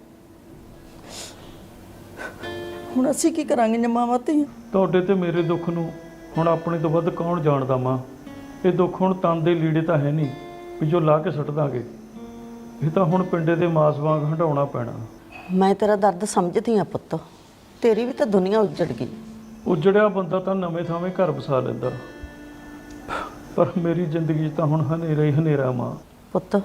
S2: ਹੁਣ ਅਸੀਂ ਕੀ ਕਰਾਂਗੇ ਮਾਵਾਂ ਧੀਆਂ?
S1: ਤੁਹਾਡੇ ਤੇ ਮੇਰੇ ਦੁੱਖ ਨੂੰ ਹੁਣ ਆਪਣੇ ਤੋਂ ਵੱਧ ਕੌਣ ਜਾਣਦਾ ਮਾਂ। ਇਹ ਦੁੱਖ ਹੁਣ ਤਨ ਦੇ ਲੀੜੇ ਤਾਂ ਹੈ ਨਹੀਂ ਵੀ ਜੋ ਲਾ ਕੇ ਸੁੱਟ ਦਾਂਗੇ। ਇਹ ਤਾਂ ਹੁਣ ਪਿੰਡੇ ਦੇ ਮਾਸ ਵਾਂਗ ਹਟਾਉਣਾ ਪੈਣਾ।
S3: ਮੈਂ ਤੇਰਾ ਦਰਦ ਸਮਝਦੀ ਆ ਪੁੱਤ, ਤੇਰੀ ਵੀ ਤਾਂ ਦੁਨੀਆ ਉੱਜੜ ਗਈ।
S1: ਉਜੜਿਆ ਬੰਦਾ ਤਾਂ ਨਵੇਂ ਥਾਵੇਂ ਘਰ ਵਸਾ ਲੈਂਦਾ, ਪਰ ਮੇਰੀ ਜ਼ਿੰਦਗੀ 'ਚ ਤਾਂ ਹੁਣ ਹਨੇਰਾ ਹੀ ਹਨੇਰਾ ਮਾਂ।
S3: ਪੁੱਤ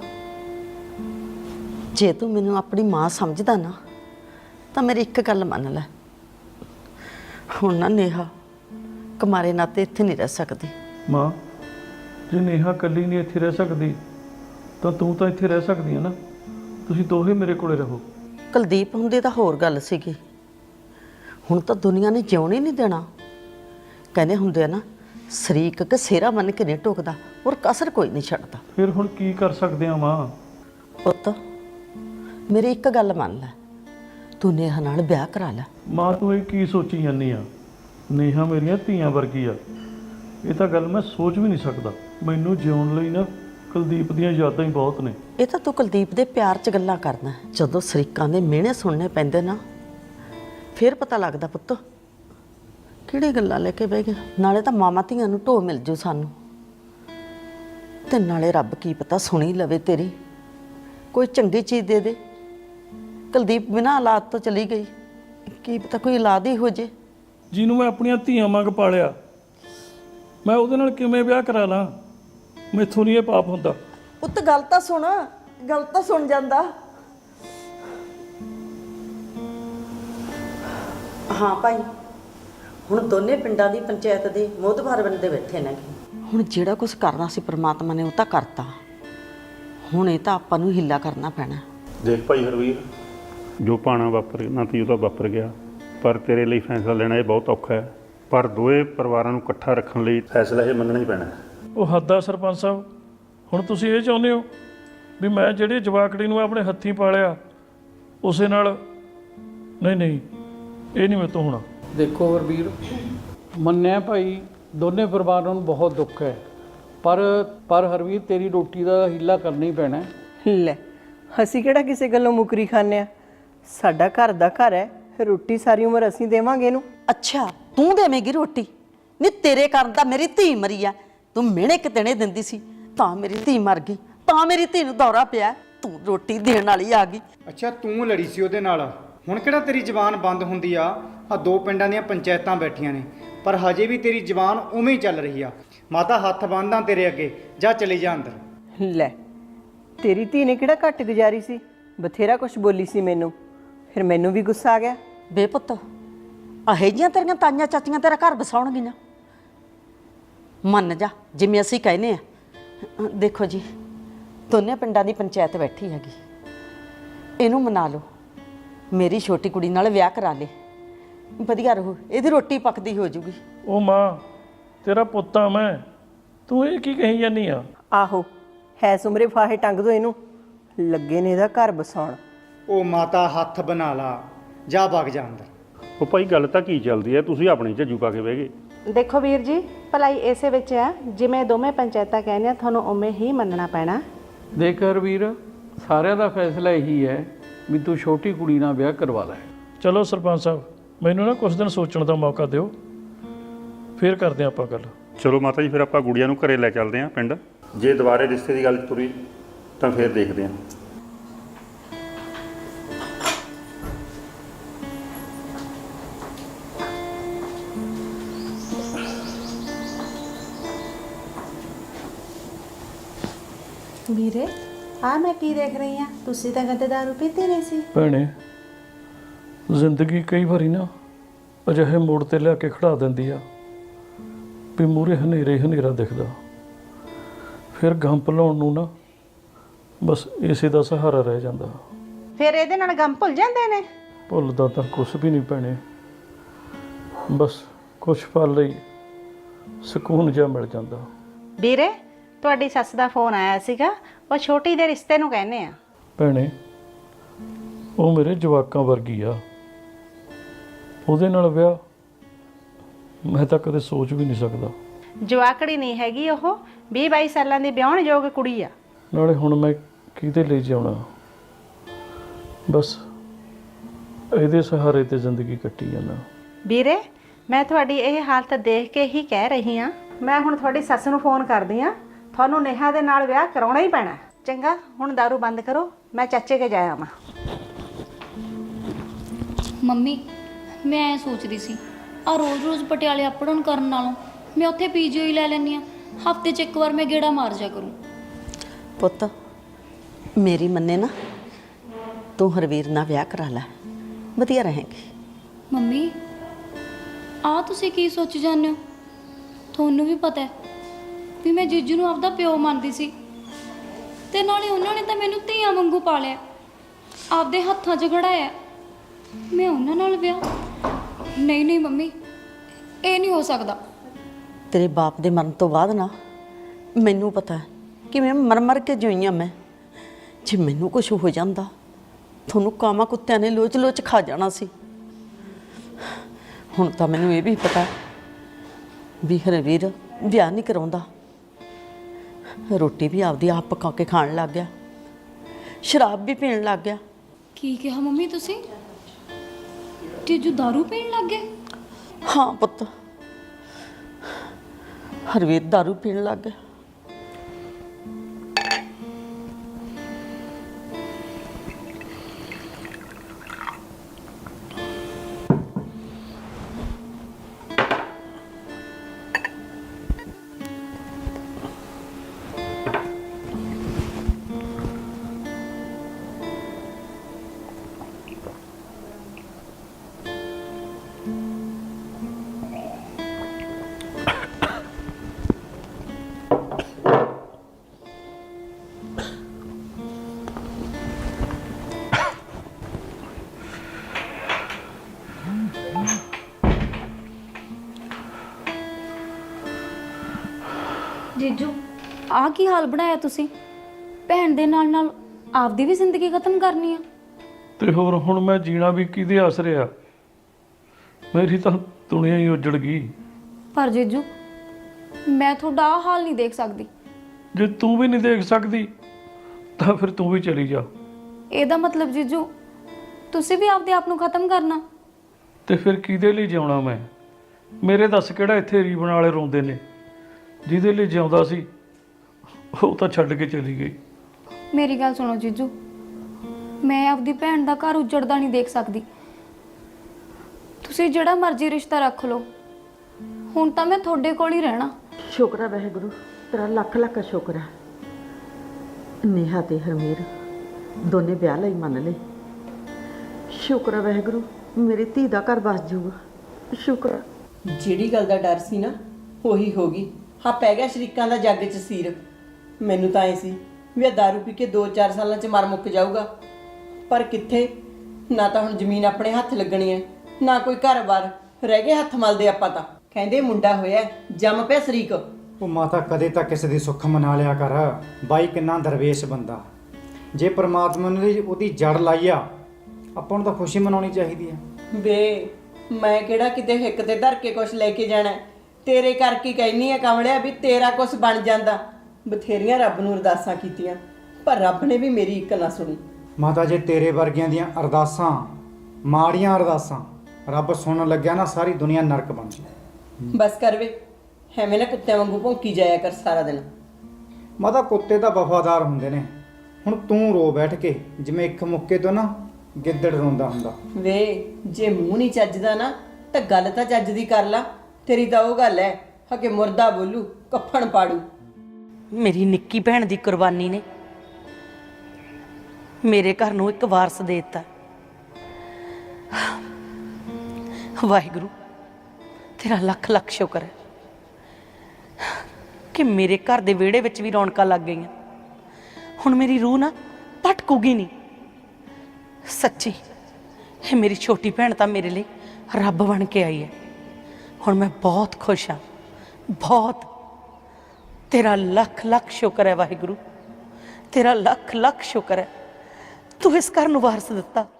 S3: ਜੇ ਤੂੰ ਮੈਨੂੰ ਆਪਣੀ ਮਾਂ ਸਮਝਦਾ ਨਾ ਤਾਂ ਮੇਰੀ ਇੱਕ ਗੱਲ ਮੰਨ ਲੈ, ਹੁਣ ਨਾ ਨੇਹਾ ਕੁਮਾਰੇ ਨਾਤੇ ਇੱਥੇ ਨਹੀਂ ਰਹਿ ਸਕਦੀ।
S1: ਮਾਂ ਜੇ ਨੇਹਾ ਇਕੱਲੀ ਨਹੀਂ ਇੱਥੇ ਰਹਿ ਸਕਦੀ ਤਾਂ ਤੂੰ ਤਾਂ ਇੱਥੇ ਰਹਿ ਸਕਦੀ ਹੈ ਨਾ। ਤੁਸੀਂ ਦੋਹੇ ਮੇਰੇ ਕੋਲੇ ਰਹੋ।
S3: ਕੁਲਦੀਪ ਹੁੰਦੇ ਤਾਂ ਹੋਰ ਗੱਲ ਸੀਗੀ, ਹੁਣ ਤਾਂ ਦੁਨੀਆ ਨੇ ਜਿਉਣ ਹੀ ਨਹੀਂ ਦੇਣਾ। ਕਹਿੰਦੇ ਹੁੰਦੇ ਆ ਨਾ, ਸ਼ਰੀਕ ਕਿ ਸਿਹਰਾ ਮੰਨ ਕੇ ਨਹੀਂ ਟੋਕਦਾ, ਔਰ ਕਸਰ ਕੋਈ ਨਹੀਂ ਛੱਡਦਾ।
S1: ਫਿਰ ਹੁਣ ਕੀ ਕਰ ਸਕਦੇ ਆ ਮਾਂ?
S3: ਪੁੱਤ ਮੇਰੀ ਇੱਕ ਗੱਲ ਮੰਨ ਲੈ, ਤੂੰ ਨੇਹਾ ਨਾਲ ਵਿਆਹ ਕਰਾ ਲੈ।
S1: ਮਾਂ ਤੂੰ ਇਹ ਕੀ ਸੋਚੀ ਜਾਂਦੀ ਆ? ਨੇਹਾ ਮੇਰੀਆਂ ਧੀਆਂ ਵਰਗੀ ਆ, ਇਹ ਤਾਂ ਗੱਲ ਮੈਂ ਸੋਚ ਵੀ ਨਹੀਂ ਸਕਦਾ। ਮੈਨੂੰ ਜਿਉਣ ਲਈ ਨਾ ਕੁਲਦੀਪ ਦੀਆਂ ਯਾਦਾਂ ਹੀ ਬਹੁਤ ਨੇ।
S3: ਇਹ ਤਾਂ ਤੂੰ ਕੁਲਦੀਪ ਦੇ ਪਿਆਰ 'ਚ ਗੱਲਾਂ ਕਰਦਾ। ਜਦੋਂ ਸ਼ਰੀਕਾਂ ਦੇ ਮਿਹਣੇ ਸੁਣਨੇ ਪੈਂਦੇ ਨਾ, ਫਿਰ ਪਤਾ ਲੱਗਦਾ ਪੁੱਤ ਕਿਹੜੀ ਗੱਲਾਂ ਲੈ ਕੇ ਬਹਿ ਗਏ। ਨਾਲੇ ਤਾਂ ਮਾਵਾਂ ਧੀਆਂ ਨੂੰ ਢੋ ਮਿਲ ਜੂ ਸਾਨੂੰ, ਤੇ ਨਾਲੇ ਰੱਬ ਕੀ ਪਤਾ ਸੁਣੀ ਲਵੇ ਤੇਰੀ, ਕੋਈ ਚੰਗੀ ਚੀਜ਼ ਦੇ ਦੇ। ਕੁਲਦੀਪ ਬਿਨਾਂ ਔਲਾਦ ਤੋਂ ਚਲੀ ਗਈ, ਕੀ ਪਤਾ ਕੋਈ ਔਲਾਦ ਹੀ ਹੋ ਜੇ।
S1: ਜਿਹਨੂੰ ਮੈਂ ਆਪਣੀਆਂ ਧੀਆਂ ਵਾਂਗ ਪਾਲਿਆ, ਮੈਂ ਉਹਦੇ ਨਾਲ ਕਿਵੇਂ ਵਿਆਹ ਕਰਾ ਲਾਂ? ਮੈਥੋਂ ਨਹੀਂ ਇਹ ਪਾਪ ਹੁੰਦਾ।
S2: ਪੁੱਤ ਗੱਲ ਤਾਂ ਸੁਣ ਜਾਂਦਾ।
S3: ਹਾਂ ਭਾਈ, ਹੁਣ ਦੋਨੇ ਪਿੰਡਾਂ ਦੀ ਪੰਚਾਇਤ ਦੇ ਮੋਹਤਬਾਰ ਬੰਦੇ ਬੈਠੇ ਨੇ। ਹੁਣ ਜਿਹੜਾ ਕੁਝ ਕਰਨਾ ਸੀ ਪ੍ਰਮਾਤਮਾ ਨੇ ਉਹ ਤਾਂ ਕਰਤਾ, ਹੁਣ ਇਹ ਤਾਂ ਆਪਾਂ ਨੂੰ ਹਿੱਲਾ ਕਰਨਾ ਪੈਣਾ।
S6: ਦੇਖ ਭਾਈ ਹਰਵੀਰ, ਜੋ ਪਾਣਾ ਵਾਪਰਨਾ ਸੀ ਉਹ ਤਾਂ ਵਾਪਰ ਗਿਆ, ਪਰ ਤੇਰੇ ਲਈ ਫੈਸਲਾ ਲੈਣਾ ਇਹ ਬਹੁਤ ਔਖਾ ਹੈ। ਪਰ ਦੋਏ ਪਰਿਵਾਰਾਂ ਨੂੰ ਇਕੱਠਾ ਰੱਖਣ ਲਈ ਫੈਸਲਾ ਇਹ ਮੰਨਣਾ ਹੀ ਪੈਣਾ ਹੈ।
S1: ਉਹ ਹੱਦ ਆ ਸਰਪੰਚ ਸਾਹਿਬ, ਹੁਣ ਤੁਸੀਂ ਇਹ ਚਾਹੁੰਦੇ ਹੋ ਵੀ ਮੈਂ ਜਿਹੜੇ ਜਵਾਕੜੀ ਨੂੰ ਆਪਣੇ ਹੱਥੀਂ ਪਾਲਿਆ ਉਸੇ ਨਾਲ? ਨਹੀਂ, ਇਹ ਨਹੀਂ ਮੇਰੇ ਤੋਂ ਹੋਣਾ।
S7: ਦੇਖੋ ਹਰਵੀਰ, ਮੰਨਿਆ ਭਾਈ ਦੋਨੇ ਪਰਿਵਾਰਾਂ ਨੂੰ ਬਹੁਤ ਦੁੱਖ ਹੈ, ਪਰ ਹਰਵੀਰ ਤੇਰੀ ਰੋਟੀ ਦਾ ਹੀਲਾ ਕਰਨਾ ਹੀ ਪੈਣਾ ਹੈ।
S2: ਲੈ, ਅਸੀਂ ਕਿਹੜਾ ਕਿਸੇ ਗੱਲੋਂ ਮੁਕਰੀ ਖਾਂਦੇ ਆ? ਸਾਡਾ ਘਰ ਦਾ ਘਰ ਹੈ, ਰੋਟੀ ਸਾਰੀ ਉਮਰ ਅਸੀਂ ਦੇਵਾਂਗੇ ਇਹਨੂੰ।
S3: ਅੱਛਾ, ਤੂੰ ਦੇਵੇਂਗੀ ਰੋਟੀ? ਨਹੀਂ, ਤੇਰੇ ਕਾਰਨ ਤਾਂ ਮੇਰੀ ਧੀ ਮਰੀ ਆ। ਤੂੰ ਮਿਹਣੇ ਕਿਤਨੇ ਦਿੰਦੀ ਸੀ ਤਾਂ ਮੇਰੀ ਧੀ ਮਰ ਗਈ, ਤਾਂ ਮੇਰੀ ਧੀ ਨੂੰ ਦੌਰਾ ਪਿਆ, ਤੂੰ ਰੋਟੀ ਦੇਣ ਵਾਲੀ ਆ ਗਈ।
S5: ਅੱਛਾ, ਤੂੰ ਲੜੀ ਸੀ ਉਹਦੇ ਨਾਲ, ਹੁਣ ਕਿਹੜਾ ਤੇਰੀ ਜ਼ਬਾਨ ਬੰਦ ਹੁੰਦੀ ਆ? ਆ ਦੋ ਪਿੰਡਾਂ ਦੀਆਂ ਪੰਚਾਇਤਾਂ ਬੈਠੀਆਂ ਨੇ, ਪਰ ਹਜੇ ਵੀ ਤੇਰੀ ਜ਼ਬਾਨ ਉਵੇਂ ਹੀ ਚੱਲ ਰਹੀ ਆ। ਮਾਤਾ ਹੱਥ ਬੰਨ੍ਹਦਾ ਤੇਰੇ ਅੱਗੇ, ਜਾ ਚਲੀ ਜਾ ਅੰਦਰ।
S2: ਲੈ, ਤੇਰੀ ਧੀ ਨੇ ਕਿਹੜਾ ਘੱਟ ਗੁਜ਼ਾਰੀ ਸੀ, ਬਥੇਰਾ ਕੁਝ ਬੋਲੀ ਸੀ ਮੈਨੂੰ, ਫਿਰ ਮੈਨੂੰ ਵੀ ਗੁੱਸਾ ਆ ਗਿਆ।
S3: ਬੇ ਪੁੱਤ, ਇਹੋ ਜਿਹੀਆਂ ਤੇਰੀਆਂ ਤਾਈਆਂ ਚਾਚੀਆਂ ਤੇਰਾ ਘਰ ਵਸਾਉਣਗੀਆਂ? ਮੰਨ ਜਾ ਜਿਵੇਂ ਅਸੀਂ ਕਹਿੰਦੇ ਆ। ਦੇਖੋ ਜੀ, ਦੋਨੇ ਪਿੰਡਾਂ ਦੀ ਪੰਚਾਇਤ ਬੈਠੀ ਹੈਗੀ, ਇਹਨੂੰ ਮਨਾ ਲਓ, ਮੇਰੀ ਛੋਟੀ ਕੁੜੀ ਨਾਲ ਵਿਆਹ ਕਰਾ ਲੇ, ਵਧੀਆ ਰਹੂ, ਇਹਦੀ ਰੋਟੀ ਪੱਕਦੀ ਹੋ ਜੂਗੀ।
S1: ਉਹ ਮਾਂ, ਤੇਰਾ ਪੁੱਤ ਆ ਮੈਂ, ਤੂੰ ਇਹ ਕੀ ਕਹੀ ਜਾਂਦੀ ਆ?
S2: ਆਹੋ, ਹੈ ਸੁਮਰੇ ਫਾਹੇ ਟੰਗ ਦੋ ਇਹਨੂੰ, ਲੱਗੇ ਨੇ ਇਹਦਾ ਘਰ ਬਸਾਉਣ।
S5: ਉਹ ਮਾਤਾ ਹੱਥ ਬਣਾ ਲਾ, ਜਾ ਵਗ ਜਾ ਅੰਦਰ।
S6: ਉਹ ਭਾਈ ਗੱਲ ਤਾਂ ਕੀ ਚੱਲਦੀ ਹੈ, ਤੁਸੀਂ ਆਪਣੇ ਝੱਜੂ ਪਾ ਕੇ ਬਹਿ ਗਏ।
S8: ਦੇਖੋ ਵੀਰ ਜੀ, ਭਲਾਈ ਇਸੇ ਵਿੱਚ ਹੈ, ਜਿਵੇਂ ਦੋਵੇਂ ਪੰਚਾਇਤਾਂ ਕਹਿੰਦੀਆਂ ਤੁਹਾਨੂੰ ਉਵੇਂ ਹੀ ਮੰਨਣਾ ਪੈਣਾ।
S7: ਦੇਖ ਹਰਵੀਰ, ਸਾਰਿਆਂ ਦਾ ਫੈਸਲਾ ਇਹੀ ਹੈ ਵੀ ਤੂੰ ਛੋਟੀ ਕੁੜੀ ਨਾਲ ਵਿਆਹ ਕਰਵਾ ਲੈ।
S1: ਚਲੋ ਸਰਪੰਚ ਸਾਹਿਬ, ਮੈਨੂੰ ਨਾ ਕੁਝ ਦਿਨ ਸੋਚਣ ਦਾ ਮੌਕਾ ਦਿਓ, ਫੇਰ ਕਰਦੇ ਆਪਾਂ ਗੱਲ।
S6: ਚਲੋ ਮਾਤਾ ਜੀ, ਫਿਰ ਆਪਾਂ ਗੁੜੀਆ ਨੂੰ ਘਰੇ ਲੈ ਚੱਲਦੇ ਹਾਂ ਪਿੰਡ। ਜੇ ਦੁਬਾਰੇ ਰਿਸ਼ਤੇ ਦੀ ਗੱਲ ਤੁਰੀ ਤਾਂ ਫਿਰ ਦੇਖਦੇ ਹਾਂ।
S8: ਵੀਰੇ ਆ ਮੈਂ ਕੀ ਦੇਖ ਰਹੀ ਆ? ਤੁਸੀਂ ਤਾਂ ਕਦੇ ਦਾਰੂ ਪੀਤੀ ਨਹੀਂ ਸੀ।
S1: ਭੈਣੇ, ਜ਼ਿੰਦਗੀ ਕਈ ਵਾਰੀ ਨਾ ਅਜਿਹੇ ਮੋੜ ਤੇ ਲਿਆ ਕੇ ਖੜਾ ਦਿੰਦੀ ਆ ਵੀ ਮੂਹਰੇ ਹਨੇਰੇ ਹਨੇਰਾ ਦਿਖਦਾ, ਫਿਰ ਗੰਪ ਲਾਉਣ ਨੂੰ ਨਾ ਬਸ ਇਸੇ ਦਾ ਸਹਾਰਾ ਰਹਿ ਜਾਂਦਾ।
S8: ਫਿਰ ਇਹਦੇ ਨਾਲ ਗਮ ਭੁੱਲ ਜਾਂਦੇ ਨੇ।
S1: ਭੁੱਲਦਾ ਤਾਂ ਕੁਛ ਵੀ ਨਹੀਂ ਭੈਣੇ, ਬਸ ਕੁਛ ਪਲ ਲਈ ਸਕੂਨ ਜਿਹਾ ਮਿਲ ਜਾਂਦਾ।
S8: ਵੀਰੇ ਤੁਹਾਡੀ ਸੱਸ ਦਾ ਫੋਨ ਆਇਆ ਸੀਗਾ, ਉਹ ਛੋਟੀ ਦੇ ਰਿਸ਼ਤੇ ਨੂੰ ਕਹਿੰਦੇ ਆ।
S1: ਭੈਣੇ, ਉਹ ਮੇਰੇ ਜਵਾਕਾਂ ਵਰਗੀ ਆ, ਉਹਦੇ ਨਾਲ ਵਿਆਹ ਮੈਂ ਤਾਂ ਕਦੇ ਸੋਚ ਵੀ ਨਹੀਂ ਸਕਦਾ।
S8: ਜਵਾਕੜੀ ਨਹੀਂ ਹੈਗੀ, ਉਹ 20-22 ਸਾਲਾਂ ਦੀ ਵਿਆਹਣ ਯੋਗ ਕੁੜੀ ਆ।
S1: ਨਾਲੇ ਹੁਣ ਮੈਂ ਕਿਹਦੇ ਲਈ ਜਿਉਣਾ, ਬਸ ਇਹਦੇ ਸਹਾਰੇ ਤੇ ਜ਼ਿੰਦਗੀ ਕੱਟੀ ਜਾਂਦਾ।
S8: ਵੀਰੇ ਮੈਂ ਤੁਹਾਡੀ ਇਹ ਹਾਲਤ ਦੇਖ ਕੇ ਹੀ ਕਹਿ ਰਹੀ ਹਾਂ। ਮੈਂ ਹੁਣ ਤੁਹਾਡੀ ਸੱਸ ਨੂੰ ਫੋਨ ਕਰਦੀ ਹਾਂ, ਤੁਹਾਨੂੰ ਨੇਹਾ ਦੇ ਨਾਲ ਵਿਆਹ ਕਰਾਉਣਾ ਹੀ ਪੈਣਾ। ਚੰਗਾ ਹੁਣ ਦਾਰੂ ਬੰਦ ਕਰੋ, ਮੈਂ ਚਾਚੇ ਕੇ ਜਾ ਆਵਾਂ।
S4: ਮੰਮੀ ਮੈਂ ਐ ਸੋਚਦੀ ਸੀ, ਆ ਰੋਜ਼-ਰੋਜ਼ ਪਟਿਆਲੇ ਅਪ ਡਾਊਨ ਕਰਨ ਨਾਲੋਂ ਮੈਂ ਉੱਥੇ ਪੀਜੀਓ ਹੀ ਲੈ ਲੈਂਦੀ ਆ। ਹਫਤੇ 'ਚ ਇੱਕ ਵਾਰ ਮੈਂ ਗੇੜਾ ਮਾਰ ਜਾ ਕਰੂੰ।
S3: ਪੁੱਤ ਮੇਰੀ ਮੰਨੇ ਨਾ, ਤੂੰ ਹਰਵੀਰ ਨਾਲ ਵਿਆਹ ਕਰਾ ਲੈ, ਵਧੀਆ ਰਹੇਗੀ।
S4: ਮੰਮੀ ਆ ਤੁਸੀਂ ਕੀ ਸੋਚ ਜਾਂਦੇ ਹੋ? ਤੁਹਾਨੂੰ ਵੀ ਪਤਾ ਹੈ ਵੀ ਮੈਂ ਜੀਜੂ ਨੂੰ ਆਪਦਾ ਪਿਓ ਮੰਨਦੀ ਸੀ, ਤੇ ਨਾਲੇ ਉਹਨਾਂ ਨੇ ਤਾਂ ਮੈਨੂੰ ਧੀਆਂ ਵਾਂਗੂ ਪਾਲਿਆ, ਆਪਦੇ ਹੱਥਾਂ 'ਚ ਖੜਾਇਆ। ਮੈਂ ਉਹਨਾਂ ਨਾਲ ਵਿਆਹ? ਨਹੀਂ ਨਹੀਂ ਮੰਮੀ, ਇਹ ਨਹੀਂ ਹੋ ਸਕਦਾ।
S3: ਤੇਰੇ ਬਾਪ ਦੇ ਮਰਨ ਤੋਂ ਬਾਅਦ ਨਾ ਮੈਨੂੰ ਪਤਾ ਹੈ ਕਿ ਮੈਂ ਮਰ ਕੇ ਜੋਈਆਂ। ਮੈਂ ਜੇ ਮੈਨੂੰ ਕੁਝ ਹੋ ਜਾਂਦਾ ਤੁਹਾਨੂੰ ਕਾਮਾ ਕੁੱਤਿਆਂ ਨੇ ਲੋਚ ਲੋਚ ਖਾ ਜਾਣਾ ਸੀ। ਹੁਣ ਤਾਂ ਮੈਨੂੰ ਇਹ ਵੀ ਪਤਾ ਵੀ ਹਰਵੀਰ ਵਿਆਹ ਨਹੀਂ ਕਰਾਉਂਦਾ, ਰੋਟੀ ਵੀ ਆਪਦੀ ਆਪ ਪਕਾ ਕੇ ਖਾਣ ਲੱਗ ਗਿਆ, ਸ਼ਰਾਬ ਵੀ ਪੀਣ ਲੱਗ ਗਿਆ।
S4: ਕੀ ਕਿਹਾ ਮੰਮੀ ਤੁਸੀਂ? ਜੀਜੂ ਦਾਰੂ ਪੀਣ ਲੱਗ ਗਏ?
S3: ਹਾਂ ਪੁੱਤ, ਹਰਵੀਰ ਦਾਰੂ ਪੀਣ ਲੱਗ ਗਿਆ।
S4: ਜੀਜੂ ਆ ਕੀ ਹਾਲ ਬਣਾਇਆ ਤੁਸੀਂ? ਭੈਣ ਦੇ ਨਾਲ ਨਾਲ ਆਪਦੀ ਵੀ ਜ਼ਿੰਦਗੀ ਖਤਮ ਕਰਨੀ ਆ?
S1: ਤੇ ਹੋਰ ਹੁਣ ਮੈਂ ਜੀਣਾ ਵੀ ਕਿਹਦੇ ਆਸਰੇ ਆ? ਮੇਰੀ ਤਾਂ ਦੁਨੀਆ ਹੀ ਉਜੜ ਗਈ।
S4: ਪਰ ਜੀਜੂ ਮੈਂ ਤੁਹਾਡਾ ਆਹ ਹਾਲ ਨਹੀਂ ਦੇਖ ਸਕਦੀ।
S1: ਜੇ ਤੂੰ ਵੀ ਨਹੀਂ ਦੇਖ ਸਕਦੀ ਤਾਂ ਫਿਰ ਤੂੰ ਵੀ ਚਲੀ ਜਾ।
S4: ਇਹਦਾ ਮਤਲਬ ਜੀਜੂ ਤੁਸੀਂ ਵੀ ਆਪਦੇ ਆਪ ਨੂੰ ਖਤਮ ਕਰਨਾ?
S1: ਤੇ ਫਿਰ ਕਿਹਦੇ ਲਈ ਜਿਉਣਾ ਮੈਂ? ਮੇਰੇ ਦੱਸ ਕਿਹੜਾ ਇੱਥੇ ਰੀਬਨ ਵਾਲੇ ਰੋਂਦੇ ਨੇ? ਜਿਹਦੇ ਲਈ ਜਿਉਂਦਾ ਸੀ ਉਹ ਤਾਂ ਛੱਡ ਕੇ ਚਲੀ ਗਈ।
S4: ਮੇਰੀ ਗੱਲ ਸੁਣੋ ਜੀਜੂ, ਮੈਂ ਆਪਦੀ ਭੈਣ ਦਾ ਘਰ ਉਜੜਦਾ ਨਹੀਂ ਦੇਖ ਸਕਦੀ। ਤੁਸੀਂ ਜਿਹੜਾ ਮਰਜ਼ੀ ਰਿਸ਼ਤਾ ਰੱਖ ਲਓ, ਹੁਣ ਤਾਂ ਮੈਂ ਤੁਹਾਡੇ ਕੋਲ ਹੀ ਰਹਿਣਾ।
S3: ਸ਼ੁਕਰ ਹੈ ਵਾਹਿਗੁਰੂ, ਤੇਰਾ ਲੱਖ ਲੱਖ ਸ਼ੁਕਰ ਹੈ। ਨੇਹਾ ਤੇ ਹਰਮੀਰ ਦੋਨੇ ਵਿਆਹ ਲਈ ਮੰਨ ਲਏ। ਸ਼ੁਕਰ ਹੈ ਵਾਹਿਗੁਰੂ, ਮੇਰੀ ਧੀ ਦਾ ਘਰ ਬਸ ਜਾਊਗਾ। ਸ਼ੁਕਰ ਹੈ।
S9: ਜਿਹੜੀ ਗੱਲ ਦਾ ਡਰ ਸੀ ਨਾ ਉਹੀ ਹੋ ਗਈ। ਹਾਂ ਪੈ ਗਿਆ ਸ਼ਰੀਕਾਂ ਦਾ ਜੱਗ 'ਚ ਸੀਰ। ਮੈਨੂੰ ਤਾਂ ਐ ਸੀ ਵੀ ਇਹ ਦਾਰੂ ਪੀ ਕੇ 2-4 ਸਾਲਾਂ 'ਚ ਮਰ ਮੁੱਕ ਜਾਊਗਾ, ਪਰ ਕਿੱਥੇ। ਨਾ ਤਾਂ ਹੁਣ ਜ਼ਮੀਨ ਆਪਣੇ ਹੱਥ ਲੱਗਣੀ ਹੈ, ਨਾ ਕੋਈ ਘਰ-ਬਾਰ। ਰਹਿ ਗਏ ਹੱਥ ਮਲਦੇ ਆਪਾਂ ਤਾਂ। ਕਹਿੰਦੇ ਮੁੰਡਾ ਹੋਇਆ ਜੰਮ ਪਿਆ ਸ਼ਰੀਕ।
S5: ਉਹ ਮਾਤਾ ਕਦੇ ਤਾਂ ਕਿਸੇ ਦੀ ਸੁੱਖ ਮਨਾ ਲਿਆ ਕਰ। ਬਾਈ ਕਿੰਨਾ ਦਰਵੇਸ਼ ਬੰਦਾ। ਜੇ ਪ੍ਰਮਾਤਮਾ ਨੇ ਉਹਦੀ ਜੜ ਲਾਈ ਆ, ਆਪਾਂ ਨੂੰ ਤਾਂ ਖੁਸ਼ੀ ਮਨਾਉਣੀ ਚਾਹੀਦੀ ਆ।
S9: ਵੇ ਮੈਂ ਕਿਹੜਾ ਕਿਤੇ ਹਿੱਕ ਤੇ ਧਰ ਕੇ ਕੁਛ ਲੈ ਕੇ ਜਾਣਾ? ਤੇਰੇ ਕਰਕੇ ਕਹਿਨੀ ਆ ਕਮਲਿਆ ਵੀ ਤੇਰਾ ਕੁਛ ਬਣ ਜਾਂਦਾ। ਬਥੇਰੀਆਂ ਰੱਬ ਨੂੰ ਅਰਦਾਸਾਂ ਕੀਤੀਆਂ, ਪਰ ਰੱਬ ਨੇ ਵੀ ਮੇਰੀ ਇੱਕ ਨਾ ਸੁਣੀ।
S5: ਮਾਤਾ ਜੇ ਤੇਰੇ ਵਰਗਿਆਂ ਦੀਆਂ ਅਰਦਾਸਾਂ ਮਾੜੀਆਂ ਅਰਦਾਸਾਂ ਰੱਬ ਸੁਣਨ ਲੱਗਿਆ ਨਾ ਸਾਰੀ ਦੁਨੀਆ ਨਰਕ ਬਣ ਗਈ।
S9: ਬਸ ਕਰ ਵੇ, ਐਵੇਂ ਨਾ ਕੁੱਤਿਆਂ ਵਾਂਗੂ ਭੌਂਕੀ ਜਾਇਆ ਕਰ ਸਾਰਾ ਦਿਨ।
S5: ਮਾਤਾ ਕੁੱਤੇ ਤਾਂ ਵਫਾਦਾਰ ਹੁੰਦੇ ਨੇ। ਹੁਣ ਤੂੰ ਰੋ ਬੈਠ ਕੇ ਜਿਵੇਂ ਇੱਕ ਮੁੱਕੇ ਤੋਂ ਨਾ ਗਿੱਦੜ ਰੋਂਦਾ ਹੁੰਦਾ।
S9: ਵੇ ਜੇ ਮੂੰਹ ਨਹੀਂ ਚੱਜਦਾ ਨਾ ਤਾਂ ਗੱਲ ਤਾਂ ਚੱਜ ਦੀ ਕਰ ਲਾ। ਤੇਰੀ ਤਾਂ ਉਹ ਗੱਲ ਹੈ ਕਿ ਮੁਰਦਾ ਬੋਲੂ ਕੱਫਣ ਪਾੜੂ।
S2: ਮੇਰੀ ਨਿੱਕੀ ਭੈਣ ਦੀ ਕੁਰਬਾਨੀ ਨੇ ਮੇਰੇ ਘਰ ਨੂੰ ਇੱਕ ਵਾਰਸ ਦੇ ਦਿੱਤਾ। ਵਾਹਿਗੁਰੂ ਤੇਰਾ ਲੱਖ ਲੱਖ ਸ਼ੁਕਰ ਹੈ ਕਿ ਮੇਰੇ ਘਰ ਦੇ ਵਿਹੜੇ ਵਿੱਚ ਵੀ ਰੌਣਕਾਂ ਲੱਗ ਗਈਆਂ। ਹੁਣ ਮੇਰੀ ਰੂਹ ਨਾ ਭਟਕੂਗੀ ਨਹੀਂ। ਸੱਚੀ ਇਹ ਮੇਰੀ ਛੋਟੀ ਭੈਣ ਤਾਂ ਮੇਰੇ ਲਈ ਰੱਬ ਬਣ ਕੇ ਆਈ ਹੈ। ਹੁਣ ਮੈਂ ਬਹੁਤ ਖੁਸ਼ ਹਾਂ, ਬਹੁਤ। ਤੇਰਾ ਲੱਖ ਲੱਖ ਸ਼ੁਕਰ ਹੈ ਵਾਹਿਗੁਰੂ, ਤੇਰਾ ਲੱਖ ਲੱਖ ਸ਼ੁਕਰ ਹੈ ਤੂੰ ਇਸ ਘਰ ਨੂੰ ਵਾਰਸ ਦਿੱਤਾ।